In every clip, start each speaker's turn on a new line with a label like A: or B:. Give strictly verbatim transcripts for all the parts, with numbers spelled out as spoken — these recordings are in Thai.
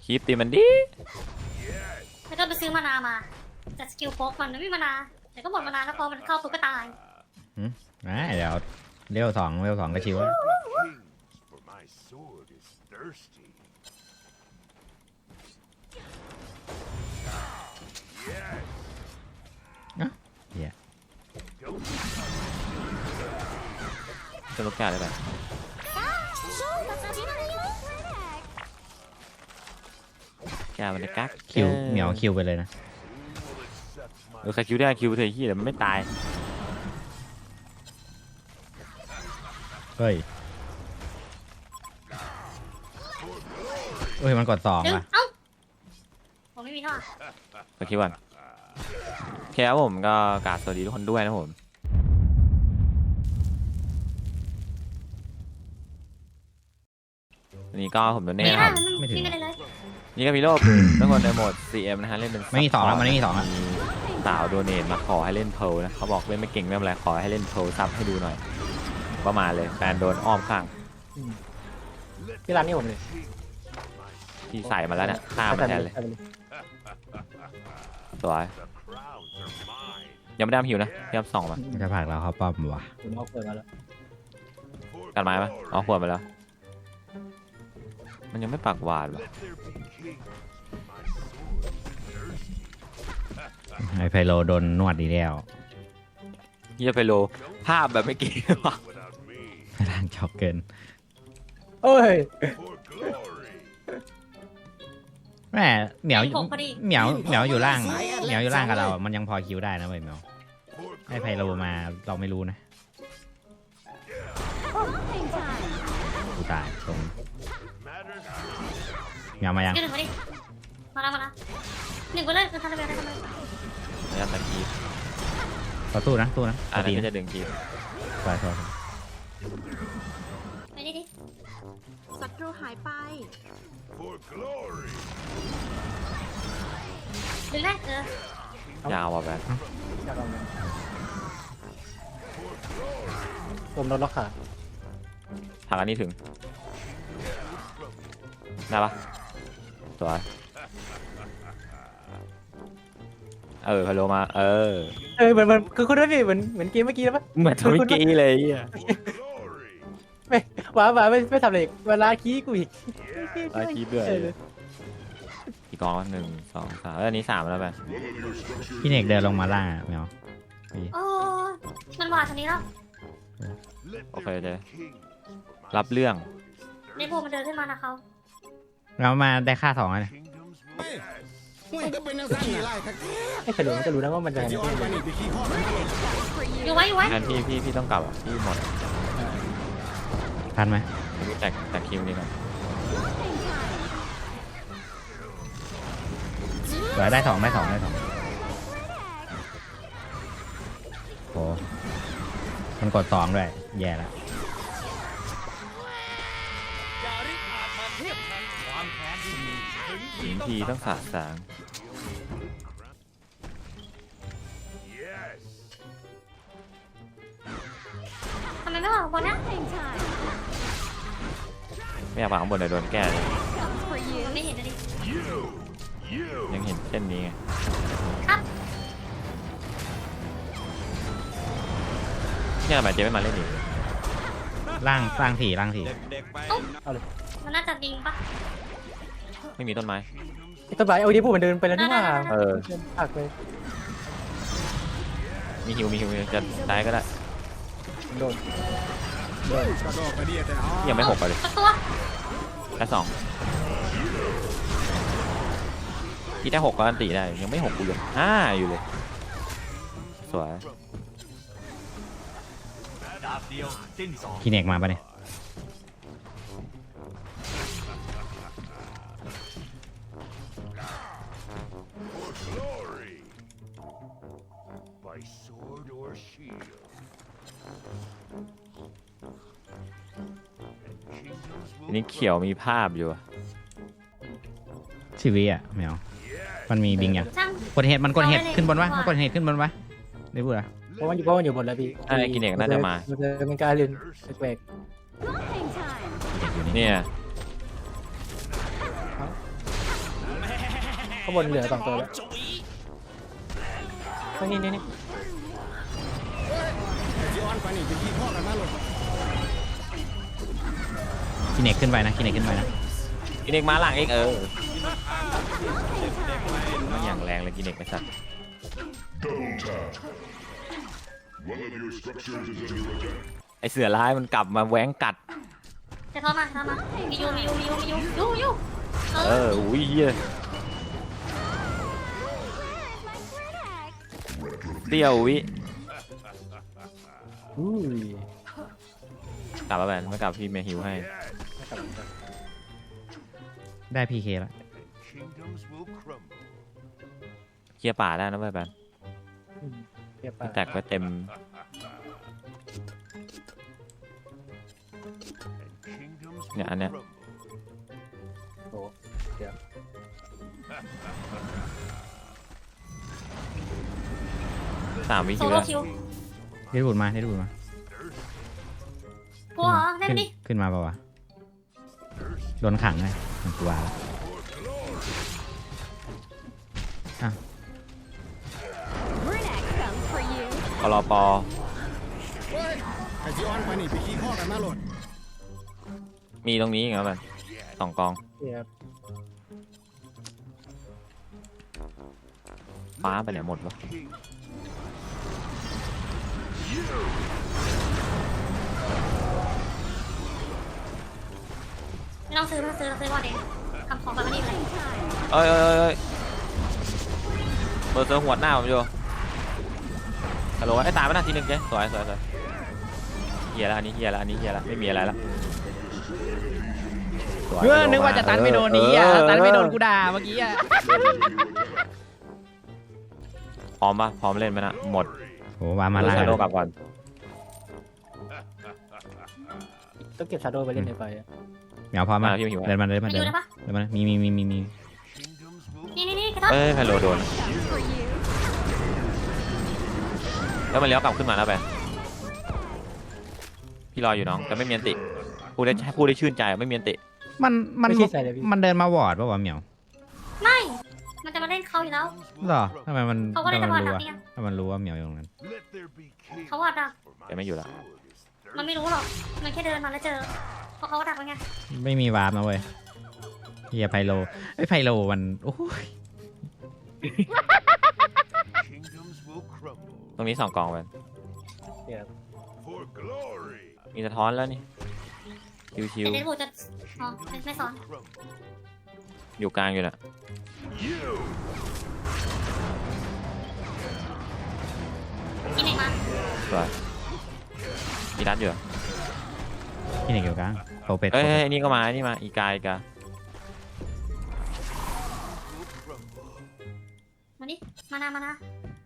A: คีปตีมันดิ
B: แล้วก็ไปซื้อมานามาแต่สกิลโป๊กมันไม่มีมานาแต่ก็หมดมานาแล้วพอมันเข้าปุ๊บก็ตาย
C: อืมอ่าเดี๋ยวเลี้ยวสองเลี้ยวสองก็ชิวแล้วอ่ะเหี้ย
A: จะลูกแก้วได้ไหมแก้วมันจะกัก
C: คิวเหมียวคิวไปเลยนะ
A: เออใครคิวได้คิวเธอขี้แต่มันไม่ตาย
C: เฮ้ยเฮ้ยมันกดสอง
B: ดึง
C: ว่ะ
B: เอ้าผมไม่มีท่อ
A: ไปคิดวันแค่ผมก็กราบสวัสดีทุกคนด้วยนะผมวันนี้ก็ผมโดน
B: ไม่
A: เน่
B: ได้
A: ครับ
B: ไม่ถึงเลยเลย
A: นี่ก็มีโลกทุกคนในโหมด ซี เอ็ม นะฮะเล่นเป็น
C: ไม่มีสองแล้วมันไม่มีสองแล้ว
A: มีสาวโดเนทมาขอให้เล่นเพลนะเขาบอกเล่นไม่เก่งไม่เป็นไรขอให้เล่นเพลซับให้ดูหน่อยประมาณเลยแฟนโดนอ้อมข้าง
D: ที่ร้านนี้ผมเลย
A: ที่ใส่มาแล้วเนี่ยฆ่ามันแทนเลยสวยยังไม่ได้หิวนะพยายามส่องมา
C: มันจะผลักเราเข้าป้อมว่ะ
D: ผมเอาเปิดมาแล้ว
A: กันไม้ปะเอาขวดไปแล้วมันยังไม่ปากหวานวะ
C: ไอไพโลโดนนวดดีแล้ว
A: เฮียไปโลภาพแบบไม่เก่งว่ะ
C: ร่างชอบเกิน
D: โอ้ย
C: แม่เหมียว
B: ผมพอดี
C: เหมียวเหมียวอยู่ล่างเหมียวอยู่ล่างกับเราอ่ะมันยังพอคิวได้นะเว้ยเหมียวไอไพโลมาเราไม่รู้นะกูตายตรงเหมียวมายัง
B: ยืนหนึ่งมาดิมาแล้วมาแล้วหนึ่งไปเลยคือทำอะไรได้ทำอะไร
A: พยายามตัดคีบ
C: ต่อสู้นะสู้นะ
A: อัน
C: ดี
A: นี้
C: นะ
A: จะดึงคีบ
C: สวยสวย
B: ไปดิดิ
E: ศัตรูหายไป
B: ดึงได้เออย
A: าวว่ะแบบ
D: อยากลองดูผมโดนล็อกขา
A: ถังอันนี้ถึงได้ปะสวยเออพาโลมาเออ
D: เออเหมือนเหมือนคือคุณด้วยพี่เหมือนเหมือนเกมเมื่อกี้แล้วปะ
A: เหมือนทวิกี้เลยเฮีย
D: ไม่หวาหวาไม่ไม่ทำอะไรอีกเวลาขี้กูอีก
A: ไล่คีบด้วย
D: เออ
A: กี่กองวะหนึ่งสองสามแล้วอันนี้สามแล้วไป
C: พี่เนกเดินลงมาล่างอ่ะเหมียว
B: โอ้มันวาดทางนี้แล้ว
A: โอเคเจ๊รับเรื่อง
B: ในพวกมันเดินขึ้นมานะเขา
C: เรามาได้ค่าสองแล้วเนี่ย
D: ไม่เคยรู้มันจะรู้นะว่ามันจะ
B: อยู่ไว้อยู่ไว้
A: งั้นพี่พี่พี่ต้องกลับอ่ะพี่หมด
C: ทันไหม
A: แตกแตกคิวนี่ก่อน
C: เหลือได้สองได้สองได้สองโหมันกดสองด้วยแย่แล้ว
A: หินทีต้องสาดสาง
B: ทำไมไม่บอกคนนะ
A: ไม่อยากวางข้างบนเดี๋ยวโดนแก้เลย
B: มันไม่เห็นนะดิ
A: ยังเห็นเช่นนี้ไง
B: ครับ
A: เนี่ยทำไมเจ๊ไม่มาเล่นอีก
C: ล่างล่างสี่ล่างสี่
B: มันน่าจะดิงปะ
A: ไม่มีต้นไม้
D: ไอ้ต้นไม้เอาดีพูดมันเดินไปแล้วนี่ว่า
A: เออ
D: หักเลย
A: มีฮิวมีฮิวจะได้ก็ได้
D: โดน
A: ยังไม่หกเลย
B: สักตัว
A: แค่สองพี่ได้หกก็อันตีได้ยังไม่หกกูยังห้าอยู่เลยสวย
C: พี่เนกมาปะเนี่ย
A: อันนี้เขียวมีภาพอยู่อะ
C: ชีวิตอ่ะเหมียวมันมีบิงยัง
B: ช่าง
C: กดเห็ดมันกดเห็ดขึ้นบนวะมันกดเห็ดขึ้นบนวะได้พูดอ่ะ
D: เพราะมันอยู่เพราะมันอยู่บนแล้วพี่
A: ใช่กินเอกน่าจะมา
D: มันจะเป็นการเล่นแปลก
C: เห็ดอยู่นี่
A: เนี่ย
D: ข้างบนเหลือสองตัวแล้วข้างนี้นี่นี่
C: กินเน็กขึ้นไปนะกินเน็กขึ้นไปนะ
A: กินเอกมาหลังเอกเออมันอย่างแรงเลยกินเอกไอ้สัตว์
F: One of your structures is under attack.
A: ไอเสือร้ายมันกลับมาแหวงกัด
B: จะทอดมาทอดมามียูมียูมียูมียูยูยูเอ
A: เอ
B: อ
A: ออุ้ยเหี้ยเตี้ยววิ
D: อุ้ย
A: กลับมาแบนไม่กลับพี่เมฮิวให้
C: ได้พีเคแล้ว
F: Kingdoms will crumble.
A: เคลียร์ป่าได้นะเว้ยแบน
D: เรียบ
A: แตกไว้เต็ม
F: Kingdoms
A: Yeah,
F: will
A: I know.
F: crumble.
D: โอ้เดี๋ยว
A: สามวิ
B: โซ
A: คิว
B: โล่
A: แล้ว
B: คิว
C: ได้ดูดมาได้ดูดมา
B: กลัวเหรอเล่น
C: ขึ้น
B: ดิ
C: ขึ้นมาเปล่าวะโดนขังเลยมันกลัวแล้วอ่ะ
A: กรอปอมีตรงนี้อีกแล้วแบนสองกอง
D: เรียบ
A: ฟ้าไปไหนหมดวะ
B: ไม่ต้องซื้อไม่ต้องซื้อเราซื้อบอลเองทำของแบบนี้เลย
A: เอ้ยเอ้ยเอ้ยเอ้ยเบอร์เซอร์หัวหน้าผมอยู่ฮัลโหลไอ้ตายไปนะทีหนึ่งเจ๊สวยสวยสวยเฮียแล้วอันนี้เฮียแล้วอันนี้เฮียแล้วไม่มีอะไรแล้วสวย
C: เออนึกว่าจะตันไม่โดนนี้อ่ะตันไม่โดนกูด่าเมื่อกี้อ่ะ
A: พร้อมปะพร้อมเล่นไหมนะหมด
C: โอ้วามา
A: เดี๋
C: ล่า
A: ยวชาโดว์กลับก่อน
D: ต้องเก็บชาโดว์ไปเล่นในไฟอะ
C: เหมียวพร้อมมาเดินมาเดินมา
B: มา
C: เดิ
B: ยู
C: น
B: ได้
C: มา
B: ปะ
C: เดินมามีมีมีมีมี
F: Kingdoms will
B: นี่นี่นี่กระทบ
A: เอ้ยไพโลโดนแล้วมันเลี้ยวกลับขึ้นมาแล้วไปพี่รออยู่น้องแต่ไม่มีอันติพูดได้พูดได้ชื่นใจไม่มีอันติ
C: มันมัน
D: ไม่ใช่ใส่เลยพี่
C: มันเดินมาวอร์ดป่าววะเหมียว
B: ไม่ มันจะมาเล่นเขาอยู่แล้ว
C: หรอทำไมมัน
B: เขาก็
C: ทำ
B: เล่น
C: ไม
B: จะ
C: มัน
B: บอล
C: รู้
B: ดัก
C: อะ
B: เนี่ย
C: ถ้ามันรู้ว่าเหมียวอยู่ตรงนั้น
F: let there be king.
B: เขาวอดดัก
A: แกไม่อยู่แล้ว
B: มันไม่รู้หรอก มันแค่เดินมาแล้วเจอเพราะเขาดักไว้ไง
C: ไม่มีวาร์ปนะเว้ยเฮียไพโลไอ้ยไพโลมันโอ้ย
F: Kingdoms will crumble
A: ตรงนี้สองกองไป
D: เรียบ
F: for glory.
A: มีสะท้อนแล้วนี่ชิว
B: แต่เดนบูจะอ๋อไม่ไม่สอน
F: Crumble.
A: ๆอยู่กลางอยู่น่ะ
F: You
B: กินเองมา
A: สวยมีรัดอยู่เหรอ
C: ที่ไหนเกี่ยวกันโปเป็ด
A: เอ้ยเอ้ยนี่ก็มานี่มาอีกาอีกา
F: will crumble.
B: มาดิมานามานา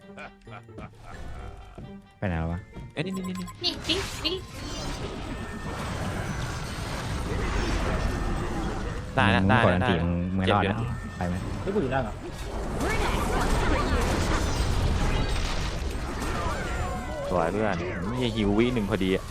C: ไปไหนแล้ววะ
A: เอ้ยนี่นี่นี่นี่
B: นี่วิ่งวิ่ง
A: ได้นะ
C: มึง
A: ได้
C: กดอั
A: นะ
C: น
A: ได้
C: ตีมึงมึงไม่รอด
A: เจ็บอยู่
C: แล้ว
A: นะ
C: ไปไหม
D: นี่กูอยู่ล่างเหรอ
A: สวยเพื่อนนี่หิววิหนึ่งพอดีอะ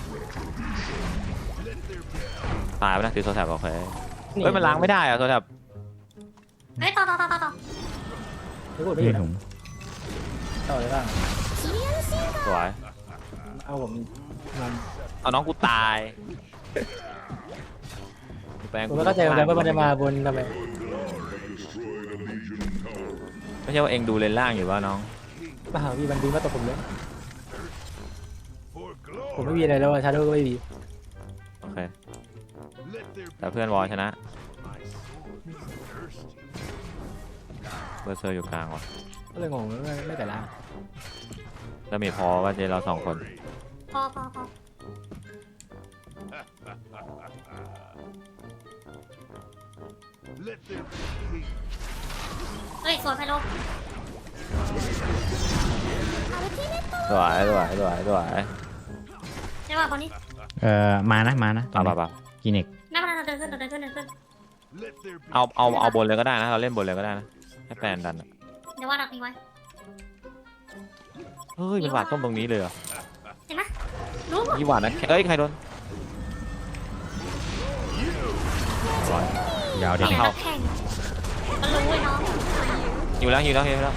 A: ตายไปนะถือโซแทบโอเคเฮ้ยมันล้างไม่ได้อะโซแทบ
B: เฮ้ยต่อต่อต่อต่อต่อ
D: นี่กูไม่อยู่
C: นี่
D: นะ
C: ถุง
D: ต่อเลยล่าง
A: สวย
D: เอาผมมัน
A: เอาน้องกูตายแปลง
D: ผมไม่เข้าใจเหมือนกันว่ามันจะมาบนทำไม
A: ไม่ใช่ว่าเองดูเลนล่างอยู่ว่าน้อง
D: มาหาพี่มันบินมาตกผมเลย
F: For
D: ผมไม่
F: glory.
D: มีอะไรแล้วชาโดว์ก็ไม่มี
A: โอเค
F: Let there
A: แต่
F: be
A: เพื่อนวอลชนะ
F: my sword is thirsty.
A: เบอร์เซอร์อยู่กลางว่ะ
D: ก็เลยงงไม่ไม่แต่ล่าง
A: แล้วมีพอว่าเจเราสองคน
B: พอพอพอ
F: Let there be king.
B: เฮ้ยสวนไพโล
A: สวยสวยสวยสวย
B: ใช่ป่ะคนนี้
C: เอ่อมานะมานะ
A: ป่าป่าป่า
C: กินเน็ก
B: หน้ามันเดินขึ้นเดินขึ้นเดินขึ้น
F: Let there be
A: เอาเอาเอาบนเลยก็ได้นะเราเล่นบนเลยก็ได้นะให้แฟนดันอะ
B: เดี๋ยวว่าดักนี้ไว้
A: เฮ้ยมันหวาดต้มตรงนี้เลยเหรอ
B: เห็นไหมรู้หมด
A: ยี่หวาดนะเอ้ยใครโดนสวย
C: ยาว
B: แข่
C: เด็
B: ง
C: ก
B: นักแข่งมันรู้ไอ้น้อง
A: อยู่แล้วอยู่แล้วอยู่แล้ว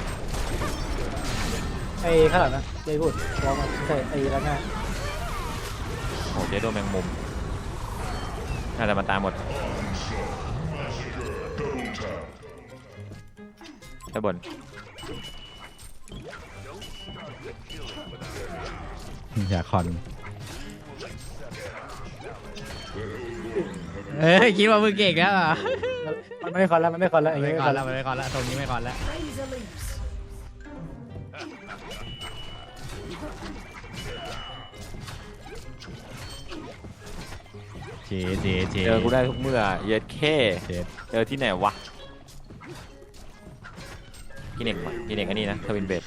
D: ไอ้ข้างหลังนะเจ๊พูดวอลมาไม่ใช่ไอ้ร้านหน้า
A: โอ้เจ๊โดนแมงมุมน่าจะมาตายหมดด้านบน
C: อย่าคอนเอ้ยคิดว่ามึงเก่งแล้วเหรอ
D: มันไม่คอนแล้วมันไม่คอนแล้วอย่าง
C: ไม่
D: เงี้ย
C: ค
D: ไม่
C: อ
D: คอน น
C: แล้
D: แล้ว ว
C: ไม่คอนแล้วตรงนี้ไม่คอนแล้วเจเจเจ
A: เจอกูได้ทุกเมื่อเย็ดแค่
C: เจ
A: เจอที่ไหนวะกินเอกมากินเอกอันนี้นะทวินเบด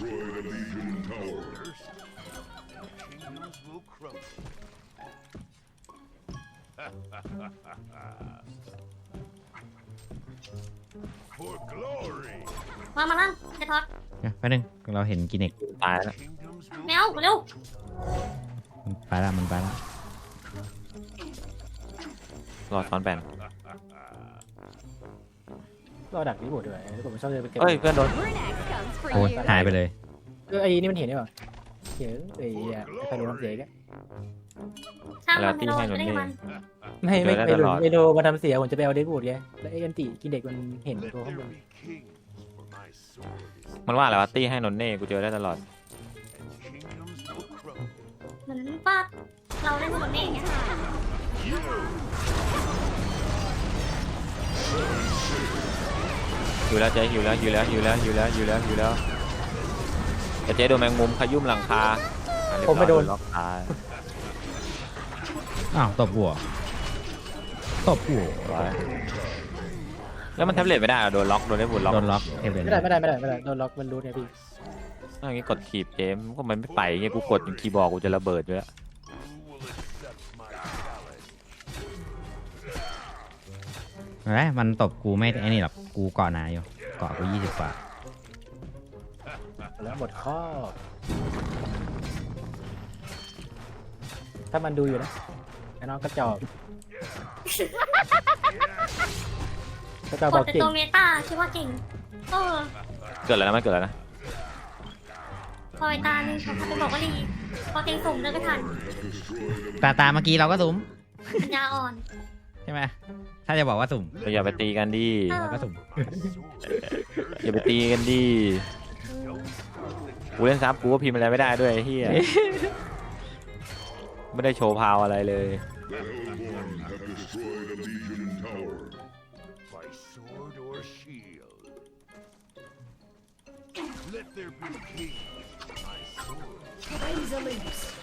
F: For glory,
B: มามาล่างไอ้ท็อต
C: แป๊บนึงเราเห็นกินเอก
A: ตายแล้ว
F: kingdoms
B: แม
F: will
B: วเร็ว
C: มันไปละมันไปละ
A: รอซ้อนแบน
D: ก็ดักที่บดด้วยแล้วผมชอบเลยไปเก็บ
A: เฮ้ยเพื่อนโดน
C: โอ้ยหายไปเลย
D: เออไอ้นี่มันเห็นได้ป่ะเขียไอ้อะใครรู้น้ำเสียแก
B: ช่างมันไม่โดนไม่ได้มัน
D: ไม่ไม่ไม่รู้ไม่รู้มาทำเสียผมจะไปเอาเดดบูดไงแล้วไอ้กันติกินเด็กมันเห็น
F: let
D: ตัวข้างบ
F: there
D: น
F: be kings, for my sword is
A: มันว่าอะไรวะตี้ให้นนเน่กูเจอได้ตลอด
F: kingdoms will crumble.
B: เหมือนป้าเราเล่นคนนี้อย่างเงี้ย
A: อยู่แล้วเจ๊อยู่แล้วอยู่แล้วอยู่แล้วอยู่แล้วอยู่แล้วอยู่แล้วแต่เจ๊โดนแมงมุมขยุ่มหลังคาอ่ะเรียบร้อย
D: ผมไม่โดน
A: ล็อกตาย
C: อ้าวตบหัวตบหัว
A: แล้วมันแท็บเล็ตไม่ได้เหรอโดนล็อกโดนได้บุญล็อก
C: โดนล็อกเทเบิล
D: ไม่ได้ไม่ได้ไม่ได้ไม่ได้โดนล็อกมันรู้ไงพี่
A: ถ้าอย่างงี้กดขีบเจมก็มันไม่ไปไงกูกดคีย์บอร์ดกูจะระเบิดด้วย
F: Who will accept my challenge?
C: เห็นไหมมันตบกูไม่ไอ้นี่หรอกกูเกาะหนาอยู่เกาะกูยี่สิบกว่า
D: แล้วหมดข้อถ้ามันดูอยู่นะไอ้น้องกระจอกกระจอก
B: ก
D: บ
B: ด
D: อก
B: แต่
D: เก่ง
B: ตัวเมตาคิดว่าเก่งเออ
A: เกิดอะไรนะมันเกิดอะไรนะ
B: พอไอ้ตานี่เขาไปบอกว่าดีพอเต็งสุ่มเดินไม่ทัน
C: ตาตาเมื่อกี้เราก็สุ่ม
B: ปัญญาอ่อน
C: ใช่ไหมถ้าจะบอกว่าสุ่ม
A: เราอย่าไปตีกันดิ
C: เราก็สุ่ม
A: อย่าไปตีกันดิกูเล่นซับกูก็พิมพ์อะไรไม่ได้ด้วยไอ้เฮียไม่ได้โชว์พาวอะไรเลย
F: The Hellborn have destroyed a legion tower. By sword or shield. Let there be kings, for my sword.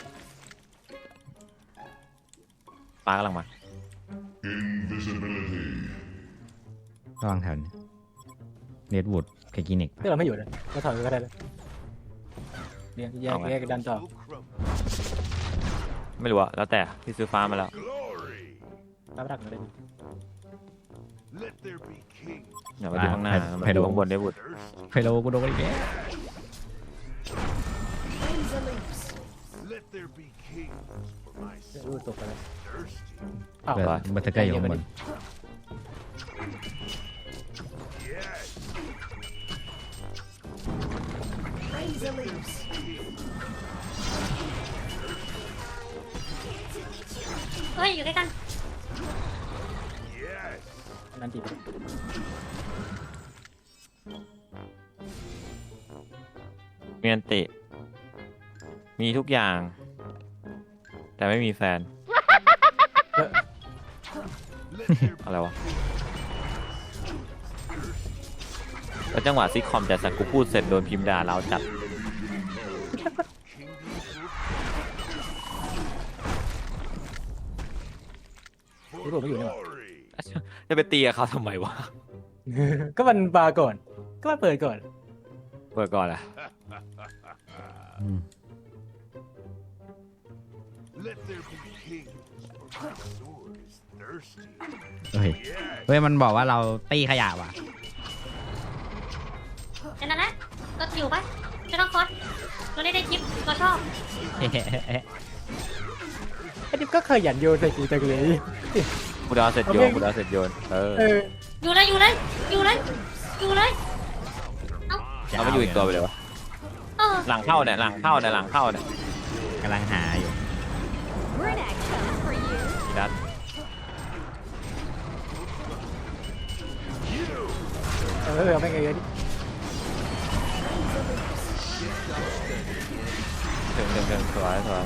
A: ปลากำลังมา
F: Invisibility.
C: ระวังแถวนี้เนดวูดเคกินิก
D: ที่เราไม่อยู่นะก็ถอยก็ได้เลยเนี่ยแยกแยกดันต่อ
F: Will crumble.
A: ไม่รู้อะแล้วแต่ที่ซื้อฟ้ามาแล้ว
F: Glory.
D: ตามรักมาเลย
F: Let there be kings.
A: อย่าไปดูข้างหน้ามาดูข้างบนได้บุตร
F: Thirsty.
C: ไพโลกูโดนอีกแล้ว
F: Let there be kings, for my
D: รูด
F: sword
D: ตกไปแล้ว
F: thirsty.
D: อ้าว
C: เบิร์ดเบิร์ดเกอร์อยู่ข้างบน
F: Yes.
B: เฮ้ยอยู่ใกล้กัน
F: Yes.
D: นั่นตีไป
A: มีอันติมีทุกอย่าง แต่ไม่มีแฟน
F: Let there be
A: อะไรวะแล้วจังหวะซิคคอมแต่สักกูพูดเสร็จโดนพิมพ์ด่าเราจัด
F: kingdoms will
D: ที่ผมไม่อยู่นี่หว่า
F: glory.
A: จะไปตีกับเขาทำไมวะ
D: ก็มันบาร์ก่อน ก็มันเปิดก่อน
A: เปิดก่อนอะ
C: อืม
F: Let there be kings, for my sword is thirsty.
C: เฮ้ย
F: Yes.
C: เฮ้ยมันบอกว่าเราตีขยะว่ะ
B: แค่นั้นแหละก็อยู่ไปไม่ต้องคอสเราได้ได้คลิปเราชอบ
D: ไอ้ดิบก็เคยหยันโยนใส่กูจังเลย
A: กูดาวเสร็จโยนกูดาวเสร็จโยนเออ
D: เออ
B: อยู่เลยอยู่เลยอยู่เลยอยู่เลย เอ้า
C: จะ
A: เอาไปอยู่อีกตัวไปเลยวะ
B: เออ
A: หลังเข้าเนี่ยหลังเข้าเนี่ยหลังเข้าเนี่ย
C: กำลังหาอยู่
A: ทีดัด
D: เออเอาไปไงเยอะดิ
A: ถึงถึงถึงสวยสวย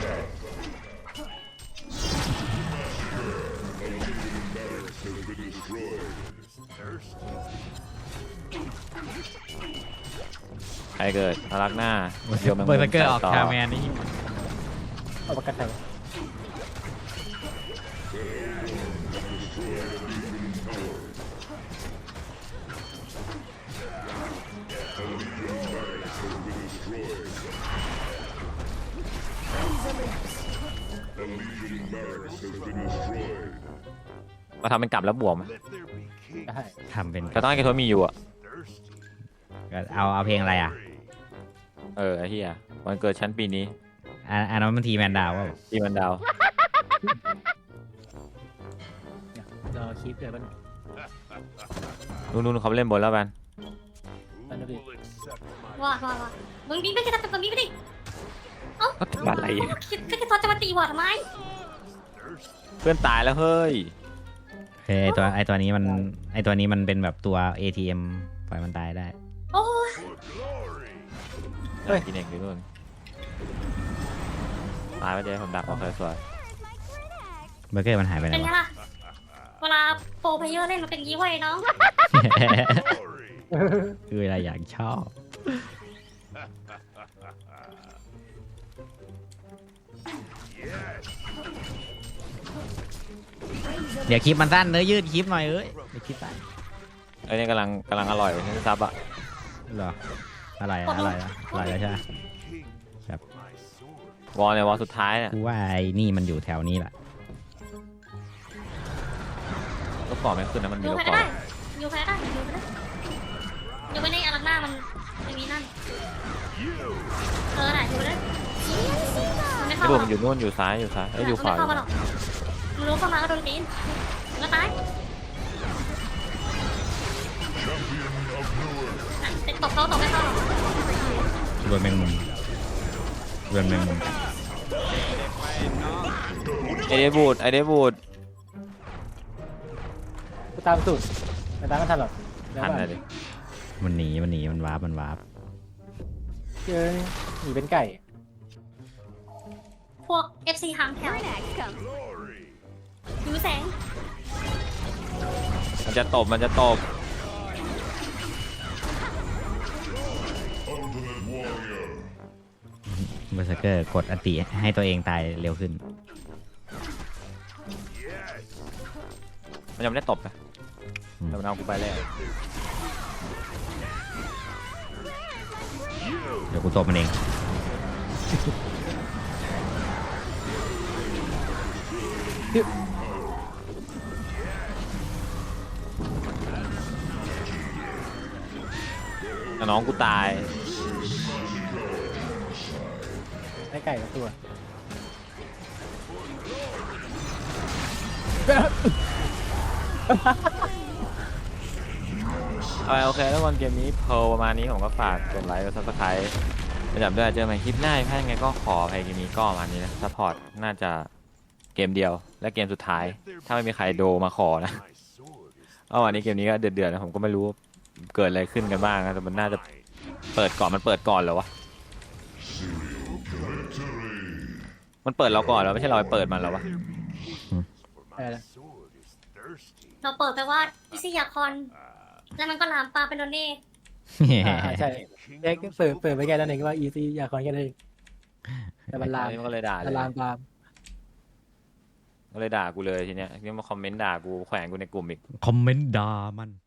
A: ใครเกิดพลักหน้าเดี๋ยวมัน
C: เบอร์สเกอร์ออกคาแมนนี่
D: เอาประกันไทย
A: มาทำเป็นกลับแล้วบวม
F: Let there be king.
D: ได้
C: ทำเป็น
A: แต่ต้องให้กระทบมีอยู่อ่ะ
F: Thirsty.
C: เอาเอาเพลงอะไรอ่ะ
A: เออไอ้เหี้ยวันเกิดชั้นปีนี้
C: อันอันนั้นมันทีแมนดาวว่า
A: ที่มันดาว
D: รอคลิปเดี๋ยวมัน
A: นู่นนู่นเขาไปเล่นบนแล้วกัน
F: Who will accept my
B: ว่าว่าว่ามึงดิ้งไม่ใช่ทำแบบนี้ไม่ได้เอ้า
A: ก็ทำอะไร
B: คิดก็จะตอนจะมาตีวอร์ดทำไม
F: thirsty
A: เพื่อนตายแล้วเฮ้ย
C: เฮ้ยไอตัวไอตัวนี้มันไอตัวนี้มันเป็นแบบตัว เอ ที เอ็ม ปล่อยมันตายได้
B: โอ้ย
F: for glory.
A: เฮ้ยกินเองดินู่นตายไปเจ๊ผมดักโอเคสวย
C: เบอร์เกอร์มันหายไปไหน
B: เป็นไง
C: วะ
B: ล่ะเวลาโปรเพลเยอร์เล่นมันเป็นยี่ห้อยน้อง
F: Glory.
C: คืออะไรอย่างชอบ
F: Yes.
C: เดี๋ยวคลิปมันสั้นเนื้อยืดคลิปหน่อยเอ้ยเดี๋ยวคลิปสั้น
A: ไอ้นี่กำลังกำลังอร่อยนี่ซับอ่ะ
C: เหรออะไรอะอะไรอะอะไรอะใช่ไหม
F: King
C: Yep.
F: for my sword.
A: วอลเนี่ยวอลสุดท้ายเนี่ย
C: กูว่าไอ้นี่มันอยู่แถวนี้แหละ
A: ลูกกรอบไม่ขึ้นนะมันมี
B: อยู่
A: ลู
B: ไป
A: กกรอ
B: ได้
A: บ
B: อยู่ไปได้อยู่ไปได้อยู่ไปในอารักหน้ามันไม่มีนั่น
F: You.
B: เออน่ะอยู่ไปได้มันไม่
A: ไอ้
B: เข้า
A: ดู
B: หร
A: มั
B: อน ก
A: อยู่นู่นอยู่ซ้ายอยู่ซ้ายไอ้ยอยู่ขวา
B: มันไม่เข้ามาหรอกมันรู้เข้ามาก็โดนตีนมันก็ตาย
F: Champion of Newark.
B: ติดตบเขาตบไม่เข้าหรอก
C: รวนแมงมุมรวนแมงมุม
A: ไอเดบูดไอเดบูด
D: กูตามสุดแต่ตามไม่ทันหรอกแล้ว
A: ทัน
D: ว่า
A: เลยดิ
C: มันหนีมันหนีมันวาร์ปมันวาร์ป
D: เจอหนีเป็นไก่
B: พวก เอฟ ซี หางแถว
F: Glory.
B: หิวแสง
A: มันจะตบมันจะตบ
F: Ultimate warrior.
C: เบอร์เซอร์เกอร์กดอติให้ตัวเองตายเร็วขึ้น
F: Yes.
A: มันยังไม่ได้ตบนะ
C: อืม
A: แต่มันเอากูไปแล้ว
C: เดี๋ยวกูตบมันเอง
A: แต่น้องกูตาย
D: ได้ไก่กับตัว
A: เอาโอเคแล้ววันเกมนี้เพลประมาณนี้ผมก็ฝากกดไลค์กดซับสไครต์ประจำด้วยเจอกันใหม่คลิปหน้าถ้ายังไงก็ขออภัยเกมนี้ก็ประมาณนี้นะซัพพอร์ตน่าจะเกมเดียวและเกมสุดท้าย ถ้าไม่มีใครโดมาขอนะ
F: My sword is
A: เอาวันนี้เกมนี้ก็เดือดๆนะผมก็ไม่รู้เกิดอะไรขึ้นกันบ้างนะแต่มันน่าจะ
F: mine.
A: เปิดก่อนมันเปิดก่อนเหรอวะ
F: Victory.
A: มันเปิดเราก่อนแล้วไม่ใช่เราไปเปิดมันแล้ววะ
F: For
D: Yeah.
F: my sword is thirsty.
B: เราเปิดไปว่าอิซิยาคอน แล้วมันก็ลามปลาเป็นโดเน่
D: อ่าใช่
F: King
D: เด็ก
F: of
D: เปิดเปิดไปแค่นั้นเองว่าอีซีอยากคอนแค่นั้นเองแต่มันลาม
A: มันก็เลยด่าเล
D: มัน
A: ย
D: ลามตาม
A: ก็เลยด่ากูเลยทีเนี้ยนี่มาคอมเมนต์ด่ากูแขวนกูในกลุ่มอีก
C: คอมเมนต์ด่ามัน